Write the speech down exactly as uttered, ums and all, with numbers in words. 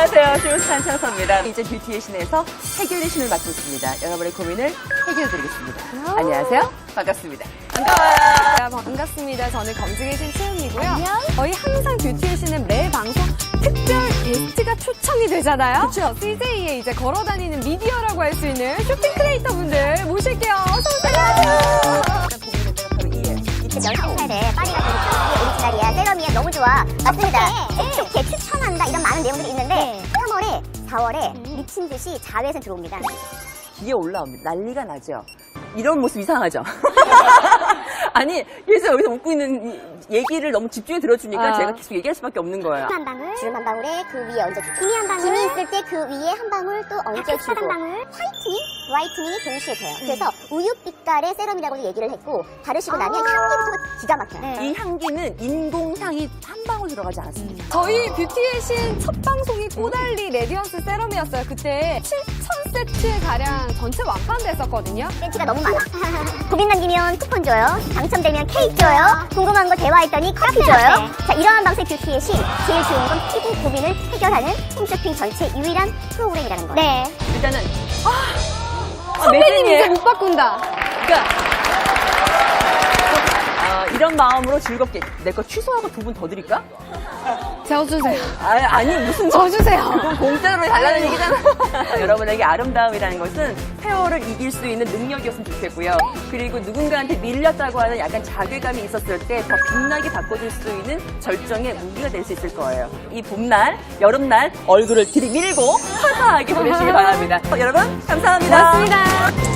안녕하세요. 쇼스탄 찬서입니다. 이제 뷰티의 신에서 해결의 신을 맡고 있습니다. 여러분의 고민을 해결해드리겠습니다. 오. 안녕하세요. 반갑습니다. 반가워요. 반갑습니다. 저는 검증의 신 채은이고요. 안녕. 저희 항상 뷰티의 신은 매 방송 특별 게스트가 초청이 되잖아요. 그쵸. 씨제이에 이제 걸어다니는 미디어라고 할 수 있는 쇼핑 크리에이터 분들 모실게요. 어서오세요. 열한 살에 파리가 되게 오리지널이야, 세럼이야, 너무 좋아. 맞습니다. 촉촉해, 추천한다 이런 많은 내용들이 있는데 삼월에, 사월에 미친 듯이 자외선 들어옵니다. 기에 올라옵니다. 난리가 나죠. 이런 모습 이상하죠? 아니, 계속 여기서 웃고 있는 이 얘기를 너무 집중해 들어주니까 아. 제가 계속 얘기할 수밖에 없는 거예요. 한 방울, 주름 한 방울에 그 위에 얹어주고 기미 한 방울, 기미 있을 때 그 위에 한 방울 또 얹어주고 한 방울, 화이트닝, 브라이트닝이 동시에 돼요. 그래서 우유빛깔의 세럼이라고 얘기를 했고 바르시고 나면 향기부터가 기가 막혀요. 이 향기는 인공향이 한 방울 들어가지 않았습니다. 저희 뷰티의 신 첫 방송이 꼬달리 레디언스 세럼이었어요. 그때 칠천 세트 가량 전체 완판됐었거든요. 센치가 너무 많아. 고민 남기면 쿠폰 줘요. 당첨되면 케이크 줘요. 궁금한 거 대화했더니 커피 줘요. 자, 이러한 방식 뷰티의 신. 제일 좋은 건 피부 고민을 해결하는 홈쇼핑 전체 유일한 프로그램이라는 거예요. 네. 일단은 아, 선배님 매진이에요. 이제 못 바꾼다. 그러니까 어, 이런 마음으로 즐겁게 내 거 취소하고 두 분 더 드릴까? 저주세요. 아니, 아니 무슨 저주세요. 그건 공짜로 달라는 얘기잖아. 여러분에게 아름다움이라는 것은 세월을 이길 수 있는 능력이었으면 좋겠고요. 그리고 누군가한테 밀렸다고 하는 약간 자괴감이 있었을 때 더 빛나게 바꿔줄 수 있는 절정의 무기가 될 수 있을 거예요. 이 봄날, 여름날 얼굴을 들이밀고 화사하게 보내시기 바랍니다. 여러분 감사합니다. 고맙습니다.